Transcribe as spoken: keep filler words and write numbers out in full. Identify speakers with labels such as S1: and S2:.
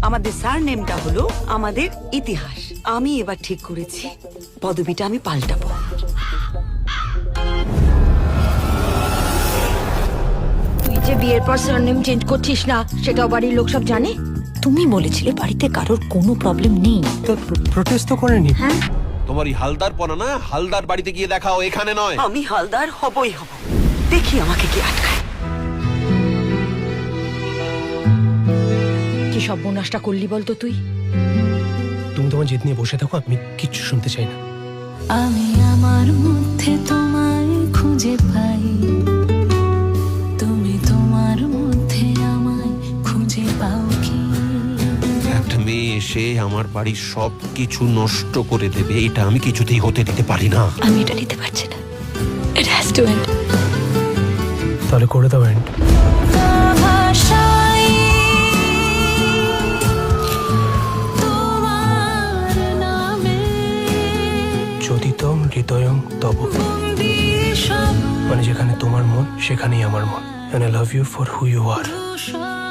S1: আমাদের স্যার নেমটা হলো আমাদের ইতিহাস। আমি এবার ঠিক করেছি পদবিটা আমি পাল্টাবো।
S2: তুই যে বিয়ের পর সারনেম চেঞ্জ করছিস না সেটাও বাড়ির লোক সব জানে।
S3: তুমি বলেছিলে বাড়িতে কারোর কোনো প্রবলেম নেই।
S4: তো প্রোটেস্ট তো করেনি।
S2: হ্যাঁ,
S5: তোমার এই হালদার পনা না, হালদার বাড়িতে গিয়ে দেখাও, এখানে নয়।
S1: আমি হালদার হবই হব, দেখি আমাকে কি আটকায়।
S2: কি সব বোনাসটা করলি বলতো তুই?
S4: তুমি তোমার জেদ নিয়ে বসে থাকো, আমি কিচ্ছু শুনতে চাই না।
S3: আমি আমার মধ্যে তোমায় খুঁজে পাই, তুমি তোমার মধ্যে আমায় খুঁজে পাও কি?
S5: একটা মেয়ে এসে আমার বাড়ির সব কিছু নষ্ট করে দেবে, এটা আমি কিছুতেই হতে দিতে পারি না।
S3: আমি এটা নিতে পারছি না। It has to end.
S4: তাহলে করে দাও এন্ড। চোদিতম হৃদয়ং তব, মানে যেখানে তোমার মন সেখানেই আমার মন। And I love you for who you are.